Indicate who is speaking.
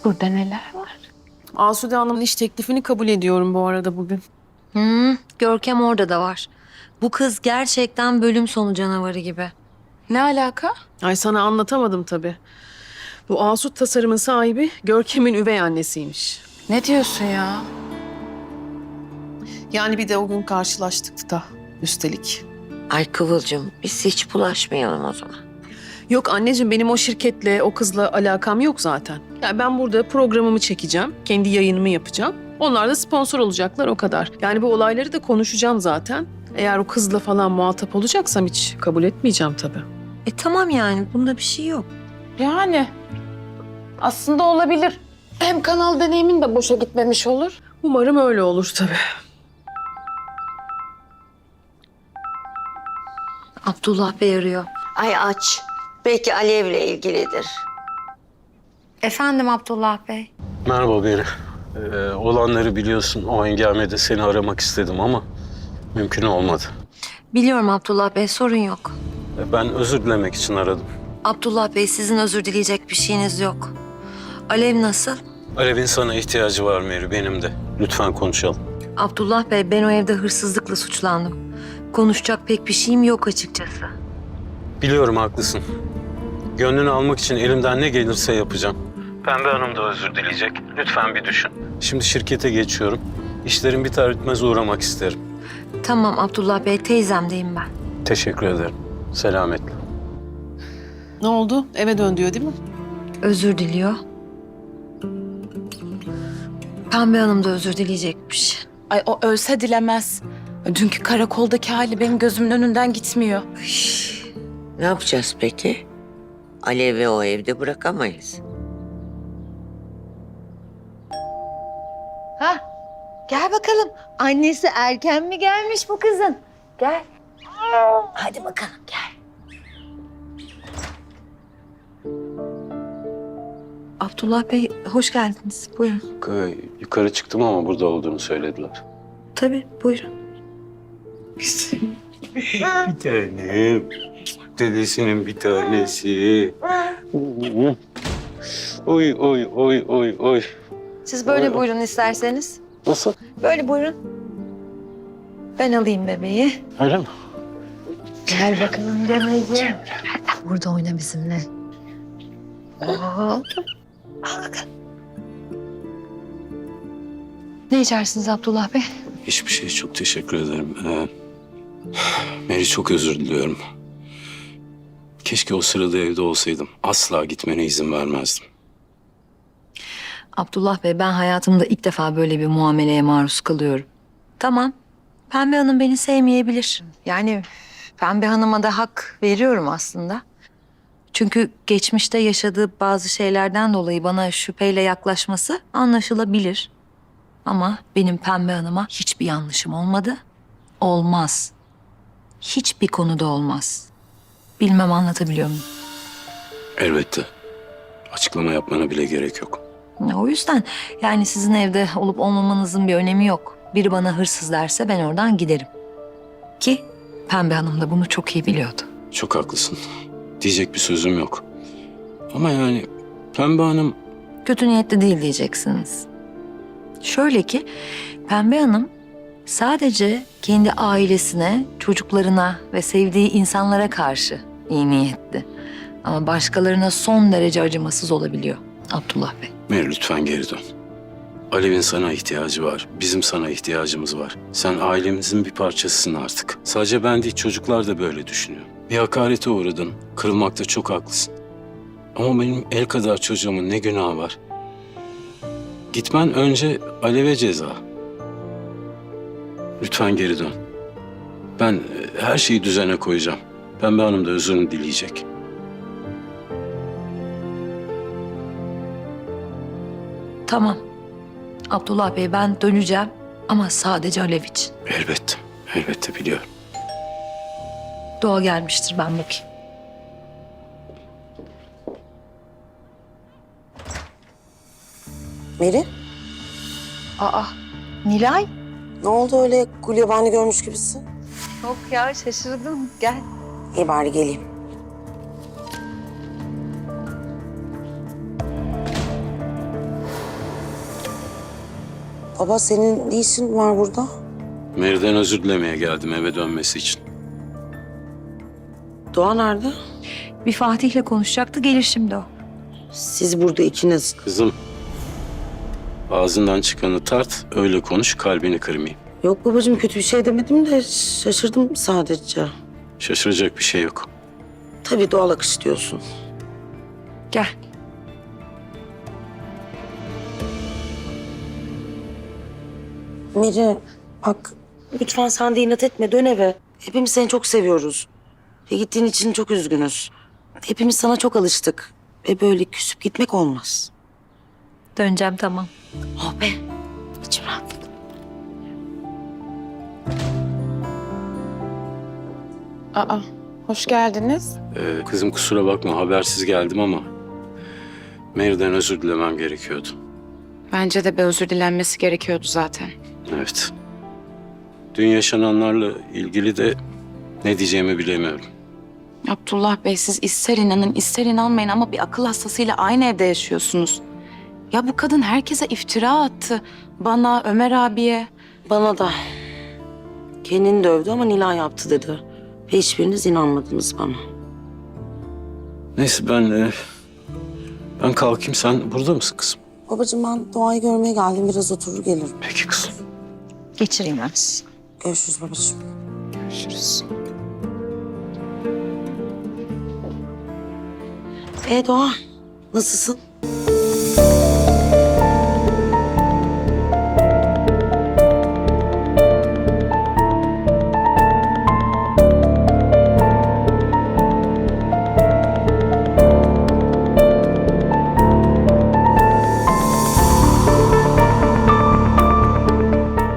Speaker 1: Burada neler var?
Speaker 2: Asude Hanım'ın iş teklifini kabul ediyorum bu arada bugün.
Speaker 3: Görkem orada da var. Bu kız gerçekten bölüm sonu canavarı gibi.
Speaker 1: Ne alaka?
Speaker 2: Ay sana anlatamadım tabii. Bu Asut tasarımın sahibi Görkem'in üvey annesiymiş.
Speaker 1: Ne diyorsun ya?
Speaker 2: Yani bir de o gün karşılaştık da üstelik.
Speaker 4: Ay Kıvılcım, biz hiç bulaşmayalım o zaman.
Speaker 2: Yok anneciğim benim o şirketle, o kızla alakam yok zaten. Yani ben burada programımı çekeceğim, kendi yayınımı yapacağım. Onlar da sponsor olacaklar o kadar. Yani bu olayları da konuşacağım zaten. Eğer o kızla falan muhatap olacaksam hiç kabul etmeyeceğim tabii.
Speaker 3: Tamam yani bunda bir şey yok.
Speaker 1: Yani aslında olabilir. Hem kanal deneyimin de boşa gitmemiş olur.
Speaker 2: Umarım öyle olur tabii.
Speaker 3: Abdullah Bey arıyor.
Speaker 4: Ay aç. Belki Alev'le ilgilidir.
Speaker 3: Efendim Abdullah Bey.
Speaker 5: Merhaba Beri. Olanları biliyorsun. O hengamede seni aramak istedim ama mümkün olmadı.
Speaker 3: Biliyorum Abdullah Bey, sorun yok.
Speaker 5: Ben özür dilemek için aradım.
Speaker 3: Abdullah Bey, sizin özür dileyecek bir şeyiniz yok. Alev nasıl?
Speaker 5: Alev'in sana ihtiyacı var Meri, benim de. Lütfen konuşalım.
Speaker 3: Abdullah Bey, ben o evde hırsızlıkla suçlandım. Konuşacak pek bir şeyim yok açıkçası.
Speaker 5: Biliyorum haklısın. Gönlünü almak için elimden ne gelirse yapacağım. Pembe Hanım da özür dileyecek. Lütfen bir düşün. Şimdi şirkete geçiyorum. İşlerim biter bitmez uğramak isterim.
Speaker 3: Tamam Abdullah Bey, teyzemdeyim ben.
Speaker 5: Teşekkür ederim. Selametle.
Speaker 2: Ne oldu? Eve dön diyor değil mi?
Speaker 3: Özür diliyor. Pembe Hanım da özür dileyecekmiş.
Speaker 1: Ay o ölse dilemez. Dünkü karakoldaki hali benim gözümün önünden gitmiyor.
Speaker 4: Ne yapacağız peki? Alev'i o evde bırakamayız.
Speaker 6: Ha, gel bakalım. Annesi erken mi gelmiş bu kızın? Gel. Hadi bakalım gel.
Speaker 3: Abdullah Bey, hoş geldiniz. Buyurun.
Speaker 5: Yukarı çıktım ama burada olduğunu söylediler.
Speaker 3: Tabii, buyurun.
Speaker 5: Bir tanem. Dedesinin bir tanesi. Oy oy oy oy oy.
Speaker 3: Siz böyle buyurun isterseniz.
Speaker 5: Nasıl?
Speaker 3: Böyle buyurun. Ben alayım bebeği.
Speaker 5: Öyle mi?
Speaker 6: Gel bakalım Demeciğim.
Speaker 3: Burada oyna bizimle. Ne içersiniz Abdullah Bey?
Speaker 5: Hiçbir şey, çok teşekkür ederim. Meri, çok özür diliyorum. Keşke o sırada evde olsaydım. Asla gitmene izin vermezdim.
Speaker 3: Abdullah Bey, ben hayatımda ilk defa böyle bir muameleye maruz kalıyorum. Tamam, Pembe Hanım beni sevmeyebilir. Yani Pembe Hanım'a da hak veriyorum aslında. Çünkü geçmişte yaşadığı bazı şeylerden dolayı bana şüpheyle yaklaşması anlaşılabilir. Ama benim Pembe Hanım'a hiçbir yanlışım olmadı. Olmaz. Hiçbir konuda olmaz. Bilmem anlatabiliyor muyum?
Speaker 5: Elbette. Açıklama yapmana bile gerek yok.
Speaker 3: O yüzden yani sizin evde olup olmamanızın bir önemi yok. Biri bana hırsız derse ben oradan giderim. Ki Pembe Hanım da bunu çok iyi biliyordu.
Speaker 5: Çok haklısın. Diyecek bir sözüm yok. Ama yani Pembe Hanım...
Speaker 3: Kötü niyetli değil diyeceksiniz. Şöyle ki Pembe Hanım sadece kendi ailesine, çocuklarına ve sevdiği insanlara karşı iyi niyetli. Ama başkalarına son derece acımasız olabiliyor Abdullah Bey.
Speaker 5: Meri, lütfen geri dön. Alev'in sana ihtiyacı var. Bizim sana ihtiyacımız var. Sen ailemizin bir parçasısın artık. Sadece ben değil, çocuklar da böyle düşünüyor. Bir hakarete uğradın. Kırılmakta çok haklısın. Ama benim el kadar çocuğumun ne günahı var? Gitmen önce Alev'e ceza. Lütfen geri dön. Ben her şeyi düzene koyacağım. Pembe Hanım da özrünü dileyecek.
Speaker 3: Tamam. Abdullah Bey, ben döneceğim ama sadece Alev için.
Speaker 5: Elbette. Elbette biliyorum.
Speaker 3: Doğa gelmiştir, ben bakayım.
Speaker 7: Meri,
Speaker 6: Aa, Nilay.
Speaker 7: ne oldu öyle gulyabani görmüş gibisin?
Speaker 6: Yok ya şaşırdım. Gel.
Speaker 7: İyi bari geleyim. Baba senin ne işin var burada?
Speaker 5: Meri'den özür dilemeye geldim eve dönmesi için.
Speaker 7: Doğa nerede?
Speaker 3: Bir Fatih'le konuşacaktı, gelir şimdi o.
Speaker 7: Siz burada ikiniz.
Speaker 5: Kızım, ağzından çıkanı tart, öyle konuş, kalbini kırmayayım.
Speaker 7: Yok babacığım, kötü bir şey demedim de şaşırdım sadece.
Speaker 5: Şaşıracak bir şey yok.
Speaker 7: Tabii doğal akış diyorsun.
Speaker 3: Gel.
Speaker 7: Meri bak, lütfen sen de inat etme, dön eve. Hepimiz seni çok seviyoruz. Ve gittiğin için çok üzgünüz. Hepimiz sana çok alıştık. Ve böyle küsüp gitmek olmaz.
Speaker 3: Döneceğim, tamam.
Speaker 7: Oh be, içim rahatladı.
Speaker 1: Aa, hoş geldiniz.
Speaker 5: Kızım kusura bakma, habersiz geldim ama... Meri'den özür dilemem gerekiyordu.
Speaker 1: Bence de bir özür dilenmesi gerekiyordu zaten.
Speaker 5: Evet. Dün yaşananlarla ilgili de ne diyeceğimi bilemiyorum.
Speaker 8: Abdullah Bey, siz ister inanın ister inanmayın ama bir akıl hastasıyla aynı evde yaşıyorsunuz. Ya bu kadın herkese iftira attı. Bana, Ömer abiye.
Speaker 7: Bana da. Kendini dövdü ama Nilay yaptı dedi. Ve hiçbiriniz inanmadınız bana.
Speaker 5: Neyse ben kalkayım, sen burada mısın kızım?
Speaker 7: Babacığım ben Doğa'yı görmeye geldim. Biraz oturur gelirim.
Speaker 5: Peki kızım.
Speaker 3: Geçireyim ben sizi.
Speaker 7: Görüşürüz babacığım.
Speaker 1: Görüşürüz.
Speaker 7: Doğa, nasılsın?